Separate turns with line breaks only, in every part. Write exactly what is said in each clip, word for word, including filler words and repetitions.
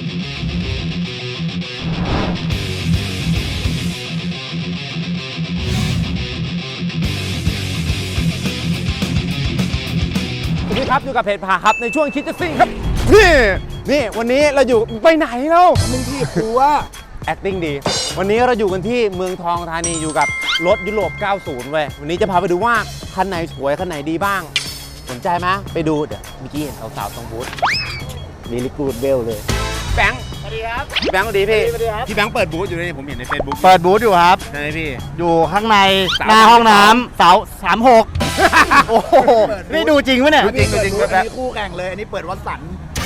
สวัสดีครับอยู่กับเพจพาครับในช่วงคิดจะซิ่งครับนี่นี่วันนี้เราอยู่ไปไหนแล้วมึงที่กูว่า acting ดีวันนี้เราอยู่กันที่เมืองทองธานีอยู่กับรถยุโรปเก้าสิบเว้ยวันนี้จะพาไปดูว่าคันไหนสวยคันไหนดีบ้างสนใจไหมไปดูเดี๋ยวเมื่อกี้เห็นสาวๆตรงบูธมีลิกูดเบลเลยแบงค์สวัสดีครับแบงค์สวัสดีพี่สวัสดีครับพี่แบงค์เปิดบูธอยู่เลยผมเห็นใน Facebook
เปิดบูธอยู่ครับ
ใช่ไหมพี่
อยู่ข้างในหน้าห้องน้ำเสาสามหกโอ้โหนี่ดูจริงปะเนี่ย
จริงจริงครับ
มีคู่แข่งเลยอันนี้เปิดวัดสัน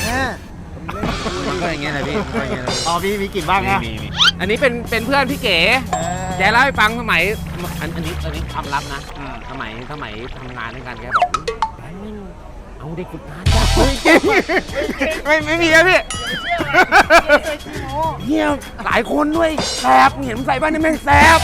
ก็อย่างเงี้ยนะพี่ก็อย่างเงี้ยนะ
อ๋อมีมีกลิ่นบ้างนะ
มีมีอันนี้เป็นเป็นเพื่อนพี่เก๋แกเล่าให้ฟังสมัยอันอันนี้อันนี้ความลับนะสมัยสมัยทำงานด้วยกันแกบอกแบงค์นี่เอาเด็กฝึกงานจ้ะไม่ไม่มีครับพี่เฮียหลายคนด้วยแสบเห็นใส่บ้านนี่แม่งแสบ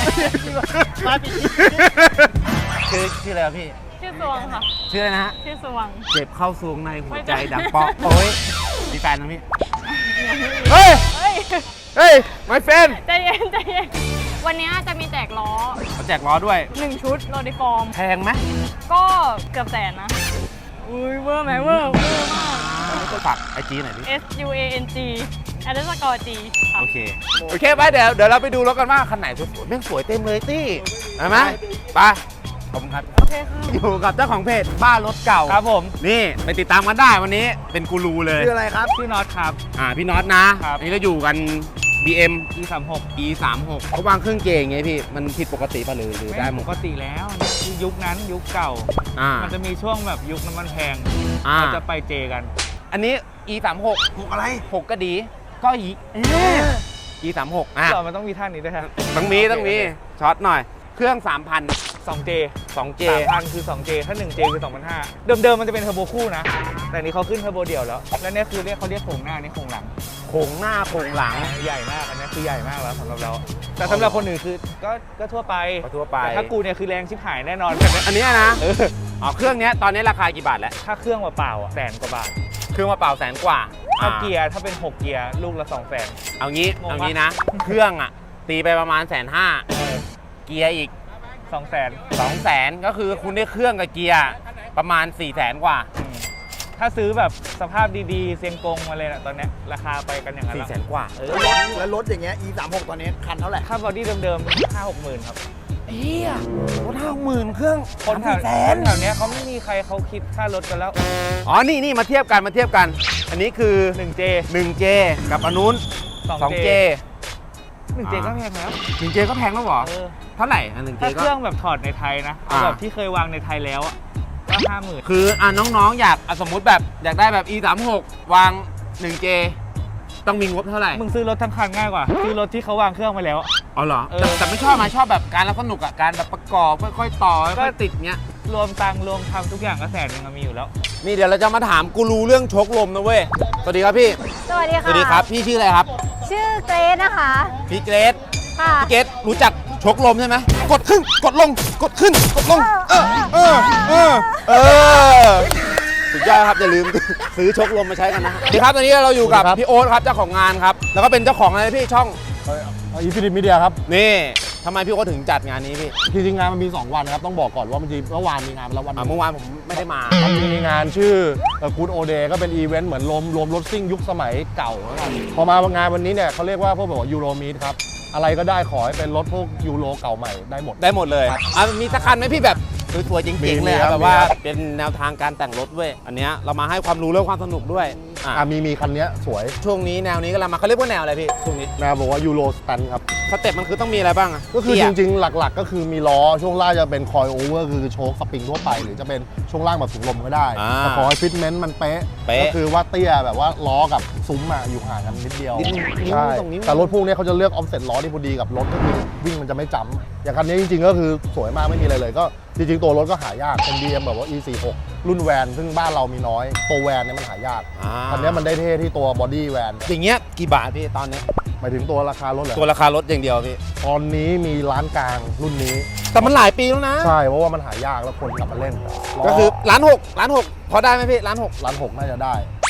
ชื่อชื่ออะไรครับพี่
ชื่อสวงค่ะ
ชื่ออะไรนะฮะ
ชื่อสวง
เจ็บเข้าซวงในหัวใจดังเปาะโอ้ยมีแฟนนะพี่เฮ้ย
เฮ้ย
เฮ้ย my friend
ใจเย็นใจเย็นวันนี้จะมีแจกล้อ
เขาแจกล้อด้วย
หนึ่งชุดโรดิฟอร์ม
แพงไหม
ก็เกือบแสนนะอุ้ยเวอร์ไหมเวอร์เวอร์มาก
ฝากไอจีหน่อยพี่
S U A N G อันเดอร์สกอร์ G
โอเคโอเคไปเดี๋ยวเดี๋ยวเราไปดูรถกันว่าคันไหนสวยๆแม่งสวยเต็มเลยตี้เห็นไหมไปขอบคุณครับ
โอเคค่ะ
อยู่กับเจ้าของเพจบ้านรถเก่าครับผมนี่ไปติดตามกันได้วันนี้เป็นกูรูเลย
ชื่ออะไรครับ
ชื่อน็อตครับอ่าพี่น็อตนะอันนี้เราอยู่กัน บี เอ็ม อี สามหก อี สามหก เขาวางเครื่องเกงไงพี่มันผิดปกติป่ะหรือหรือได้หมด
ปกติแล้วคือยุคนั้นยุคเก่ามันจะมีช่วงแบบยุคน้ำมันแพงเราจะไปเจกัน
อันนี้ อี สามหก
หกอะไร
หกก็ดีก็อี อี สามหกอ่ะ
มันต้องมีท่านี้ด้วยครับ
ต้องมีต้องมีช็อตหน่อยเครื่อง สามพัน
สองเจ
สองเจ
สามพันคือ สองเจ ถ้า หนึ่งเจ คือ สองพันห้าร้อย เดิมๆมันจะเป็นเทอร์โบคู่นะแต่นี้เขาขึ้นเทอร์โบเดี่ยวแล้วแล้วเนี่ยคือเรียกเขาเรียกโครงหน้านี่โครงหลัง
โครงหน้าโครงหลัง
ใหญ่มากอันนี้คือใหญ่มากแล้วสำหรับเราแต่สำหรับคนอื่นคือก็ก็ทั่วไป
ทั่วไป
แต่ถ้ากูเนี่ยคือแรงชิบหายแน่นอน
อันนี้นะอ๋อเครื่องนี้ตอนนี้ราคากี่บาทแล้ว
ถ้าเครื่องเปล่าๆอ่ะแสนกว่าบาท
เครื่องเปล่าแสนกว่า
ถ้าเกียร์ถ้าเป็นหกเกียร์ลูกละสองแสน
เอางี้เอางี้นะเครื่องอ่ะตีไปประมาณแสนห้าเกียร์อีก
สองแสน
สองแสนก็คือคุณได้เครื่องกับเกียร์ประมาณสี่แสนกว่า
ถ้าซื้อแบบสภาพดีๆเซียงกงมาเลยนะตอนนี้ราคาไปกันอย่างนั้น
สี่แสนกว่า
เออแล้วรถอย่างเงี้ย อี สามหก ตอนนี้คันเท่าไหร่
ถ้าบอดี้เดิมๆห้าหกหมื่นครับ
เฮียรถห้าหมื่นเครื่อง
คนแถวแถวนี้เขาไม่มีใครเขาคิดค่ารถกันแล้ว
อ๋อนี่นี่มาเทียบกันมาเทียบกันอันนี้คือ
หนึ่งเจ
หนึ่งเจ กับอันนู้นสองเจ
หนึ่งเจก็แพงแล้ว
หนึ่งเจก็แพงแล้วเหรอเท่าไหร่อันหนึ่งเจก็
ถ้าเครื่องแบบถอดในไทยนะแบบที่เคยวางในไทยแล้วก็ห้าหมื่น
คืออ่ะน้องๆอยากสมมุติแบบอยากได้แบบ อี สามหก วาง หนึ่งเจ ต้องมีงบเท่าไหร่
มึงซื้อรถทั้งคันง่ายกว่าซื้อรถที่เขาวางเครื่องไปแล้ว
อ๋อเหรอแต่ไม่ชอบมาชอบแบบการรับสนุกอ่ะการแบบประกอบค่อยๆต่อค่อยๆติดเงี้ย
รวมตังรวมทำทุกอย่างก็แสนนึงมีอยู่แล้ว
นี่เดี๋ยวเราจะมาถามกูรูเรื่องชกลมนะเว้ยสวัสดีครับพี่
สวัสดีค่ะ
สวัสดีครับพี่ชื่ออะไรครับ
ชื่อเกรซนะคะ
พี่เกรซพี่เกรซรู้จักชกลมใช่ไหมกดขึ้นกดลงกดขึ้นกดลงเออเออเออเออสุดยอดครับอย่าลืมซื้อชกลมมาใช้กันนะดีครับตอนนี้เราอยู่กับพี่โอ๊ตครับเจ้าของงานครับแล้วก็เป็นเจ้าของอะไรพี่ช่อง
อีฟินิตมีเดียครับ
นี่ทำไมพี่โอ๊ตถึงจัดงานนี้พี่
จริงๆงานมันมีสองวันครับต้องบอกก่อนว่ามันจริงเมื่อวานมีงานแล้ววัน
เมื่อวานผมไม่ได้มา
มันมีงานชื่อกู๊ดโอเดย์ก็เป็นอีเวนต์เหมือนรวมรวมรถซิ่งยุคสมัยเก่าแล้วกันพอมางานวันนี้เนี่ยเขาเรียกว่าพวกแบบว่ายูโรมีดครับอะไรก็ได้ขอให้เป็นรถพวกยูโรเก่าใหม่ได้หมด
ได้หมดเลยอ่ะมีสักคันไหมพี่แบบสวยๆจริงๆเลยแบบว่าเป็นแนวทางการแต่งรถเว้ยอันเนี้ยเรามาให้ความรู้เรื่องความสนุกด้วย
อ่ามีมีคันนี้สวย
ช่วงนี้แนวนี้ก็เรามาเขาเรียกว่าแนวอะไรพี่ช่วงนี้
แนวบอกว่ายูโรสแตนครับ
สเต็ปมันคือต้องมีอะไรบ้างอ่ะ
ก็คือจริงๆหลักๆก็คือมีล้อช่วงล่างจะเป็นคอยโอเวอร์คือโชคสปริงทั่วไปหรือจะเป็นช่วงล่างแบบถุงลมก็ได้แต่ขอให้ฟิตเมนต์มันเป๊ะก็คือว่าเตี้ยแบบว่าล้อกับซุ้มอ่ะอยู่ห่างกันนิดเดียวใช่แต่รถพวกนี้เขาจะเลือกออฟเซ็ตล้อที่พอดีกับรถก็คือวิ่งมันจะไม่จำอย่างคันนี้จริงๆก็คือสวยมากไม่มีอะไรเลยก็จริงๆตัวรถก็หายากเป็น บี เอ็ม แบบว่า อี สี่หก รุ่นแวนซึ่งบ้านเรามีน้อยตัวแวนเนี่ยมันหายากคันนี้มันได้เท่ที่ตัวบอดี้แวน
อย่างเงี้ยกี่บาทพี่ตอนนี้
หมายถึงตัวราคารถเหรอ
ตัวราคารถอย่างเดียวพี่
ตอนนี้มีร้านกลางรุ่นนี้
แต่มันหลายปีแล้วนะ
ใช่เพราะว่ามันหายากแล้วคนกลับมาเล่น
ก็คือล้านหกล้านหกพอได้ไหมพี่ล้านหก
ล้านหกน่าจะได้ล้านหก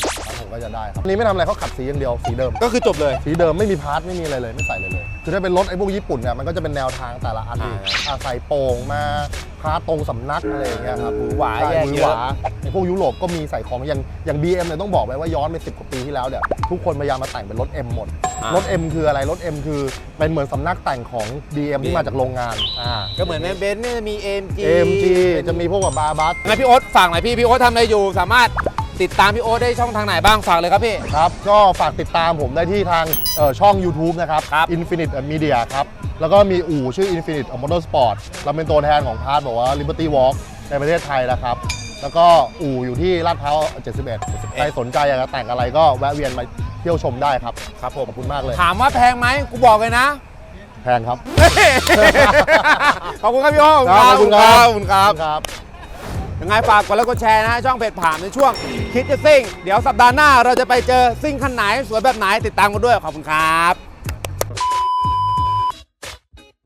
ผมก็จะได้ครับอันนี้ไม่ทำอะไรเขาขัดสีอย่างเดียวสีเดิม
ก็คือจบเลย
สีเดิมไม่มีพาร์ทไม่มีอะไรเลยไม่ใส่เลยเลย คือถ้าเป็นรถไอ้พวกญี่ปุ่นเนี่ยมันก็จะเป็นแนวทางแต่ละอัน
อ่า
อ่ะใส่โป่งมาพาร์ทตรงสำนักอะไรอย่างเงี้ยครับ
หวือหวา
ใช่
แยก
หวือ
เย
ห
อะ
วาไอ้พวกยุโรปก็มีใส่ของอย่างอย่าง บี เอ็ม เนี่ยต้องบอกไว้ว่าย้อนไปสิบกว่าปีที่แล้วเนี่ยทุกคนพยายามมาแต่งเป็นรถ M หมด
อ่าร
ถ M คืออะไรรถ M คือเป็นเหมือนสำนักแต่งของ บี เอ็ม ที่มาจากโรงงานอ่า
ก็เหมือนเบนซ์เนี่ยมี เอ็ม จี
เอ็ม จี จะมีพวกแบบบาบัส
งั้นพี่โอ๊ตฝากหน่อยพี่ พี่โอ๊ตทำอะไรอยู่ สามารถติดตามพี่โอ๊ตได้ช่องทางไหนบ้างฝากเลยครับพี่
ครับ ก็ฝากติดตามผมได้ที่ทางเอ่อช่อง YouTube นะครับ
ครับ
Infinite Media ครับ แล้วก็มีอู่ชื่อ Infinite Motorsport เราเป็นตัวแทนของพาร์ทบอกว่า Liberty Walk ในประเทศไทยนะครับ แล้วก็อู่อยู่ที่ลาดพร้าวเจ็ดสิบเอ็ดใครสนใจอยากจะแต่งอะไรก็แวะเวียนมาเที่ยวชมได้ครับ ครับผมขอบคุณมากเลย
ถามว่าแพงไหมกูบอกเลยนะ
แพงครับ
ขอบคุณครับพี่โอ๊ต
ครับขอบคุณครับ
ขอบคุณครับ
ครับ
ยังไงฝากกดไลค์กดแชร์นะ ช่องเพจผ่านในช่วงคิดจะซิ่ง เดี๋ยวสัปดาห์หน้าเราจะไปเจอซิ่งคันไหน สวยแบบไหนติดตามกันด้วย ขอบคุณครับ